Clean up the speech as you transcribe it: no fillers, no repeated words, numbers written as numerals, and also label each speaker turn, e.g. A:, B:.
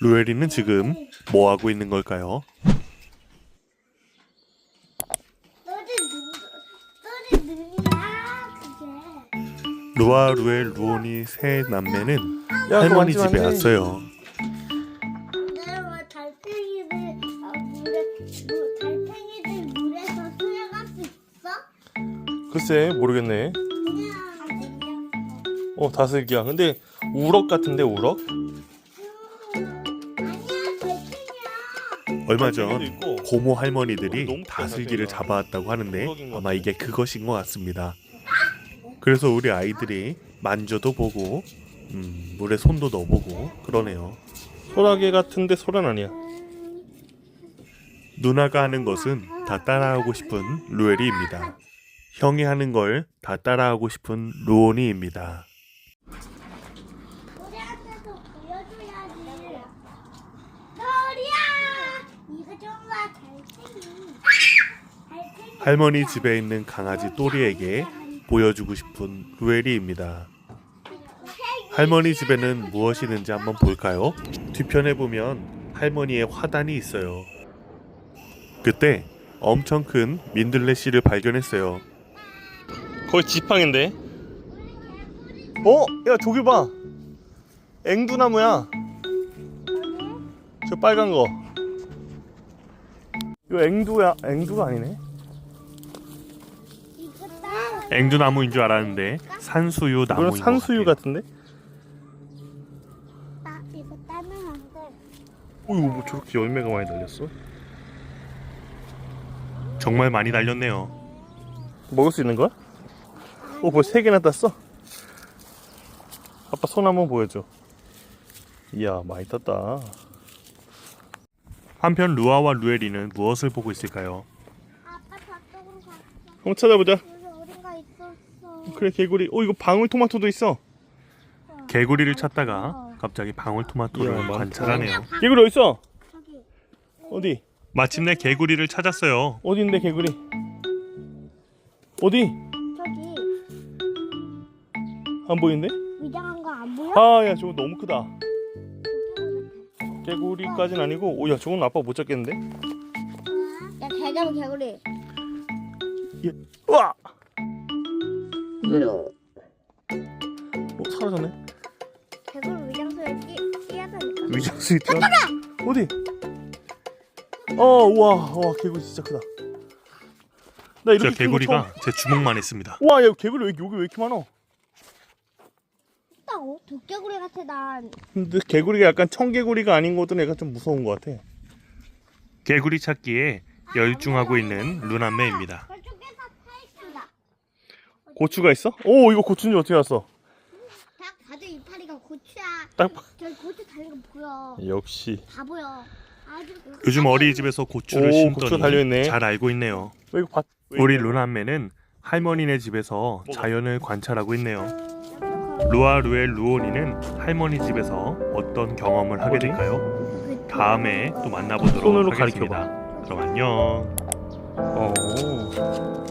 A: 루엘이는 지금 뭐 하고 있는 걸까요?
B: 너네 눈이야 그게.
A: 루아, 루엘, 루온이 세 남매는
C: 야,
A: 할머니
C: 그거
A: 집에
C: 만지면 안 돼.
A: 왔어요.
B: 내가 달팽이들 달팽이들 물에서 수영할 수 있어?
C: 글쎄 모르겠네.
B: 그냥
C: 다슬기야. 근데 우럭 같은데 우럭?
B: 아니야 달팽이야.
A: 얼마 전
C: 달팽이도 있고.
A: 고모 할머니들이
C: 너무
A: 다슬기를
C: 크다,
A: 잡아왔다고 하는데
C: 우럭인 것
A: 아마
C: 같아.
A: 이게 그것인 것 같습니다. 그래서 우리 아이들이 만져도 보고 물에 손도 넣어보고 그러네요.
C: 소라게 같은데 소란 아니야.
A: 누나가 하는 것은 다 따라하고 싶은 루엘이입니다. 형이 하는 걸 다 따라하고 싶은 루온이입니다.
B: 우리한테도 보여줘야지. 너리야. 이거 정말 달팽이.
A: 할머니 집에 있는 강아지 또리에게 보여주고 싶은 루엘이입니다. 할머니 집에는 무엇이 있는지 한번 볼까요? 뒤편에 보면 할머니의 화단이 있어요. 그때 엄청 큰 민들레 씨를 발견했어요.
C: 거의 지팡인데. 야 저기 봐. 앵두나무야. 저 빨간 거. 이거 앵두가 아니네.
B: 이거 따.
A: 앵두나무인 줄 알았는데 산수유 나무인
C: 이거는
A: 것
C: 산수유
A: 같아요.
C: 같은데.
B: 이거 따면 안 돼.
C: 이거 뭐 저렇게 열매가 많이 달렸어?
A: 정말 많이 달렸네요.
C: 먹을 수 있는 거야? 벌써 3개나 땄어? 아빠 손 한번 보여줘. 이야 많이 땄다.
A: 한편 루아와 루엘이는 무엇을 보고 있을까요?
B: 아빠 저쪽으로 갔어.
C: 한번 찾아보자.
B: 여기 어딘가 있었어.
C: 그래 개구리. 이거 방울토마토도 있어.
A: 개구리를 찾다가 갑자기 방울토마토를
C: 이야, 많다.
A: 관찰하네요.
C: 개구리 어딨어?
B: 저기.
C: 어디?
A: 마침내 개구리를 찾았어요.
C: 어디인데 개구리? 어디?
B: 저기.
C: 안 보이는데?
B: 위장한 거 안 보여?
C: 아야 저거 너무 크다. 개구리까진 아니고 야 저건 아빠 못 잡겠는데?
B: 야 개잡은 개구리.
C: 우와! 사라졌네.
B: 개구리 위장소에 뛰어다니까.
C: 위장수에 뛰어. 어디? 우와 개구리 진짜 크다. 나
A: 저
C: 이렇게 큰
A: 개구리가
C: 거
A: 제 주먹만 했습니다.
C: 처음... 와, 야 개구리 여기 왜 이렇게 많아?
B: 있다고? 도깨구리 같아 난.
C: 근데 개구리가 약간 청개구리가 아닌 것도 약간 좀 무서운 것 같아.
A: 개구리 찾기에 열중하고 있는 루남매입니다.
B: 저쪽에서 타있다.
C: 고추가 있어? 오 이거 고추인지 어떻게 알았어?
B: 딱 봐도 이파리가 고추야.
C: 딱
B: 저기 고추 달린 거 보여.
C: 역시.
B: 다 보여. 아주.
A: 요즘 어린이집에서 고추를
C: 오, 고추가 달려있네.
A: 심더니 잘 알고 있네요.
C: 이거 밭.
A: 우리 루남매는 할머니네 집에서 자연을 관찰하고 있네요. 루아, 루엘, 루온이는 할머니 집에서 어떤 경험을 하게
C: 어디?
A: 될까요? 다음에 또 만나보도록
C: 손으로
A: 하겠습니다.
C: 가리켜봐.
A: 그럼 안녕.
C: 어.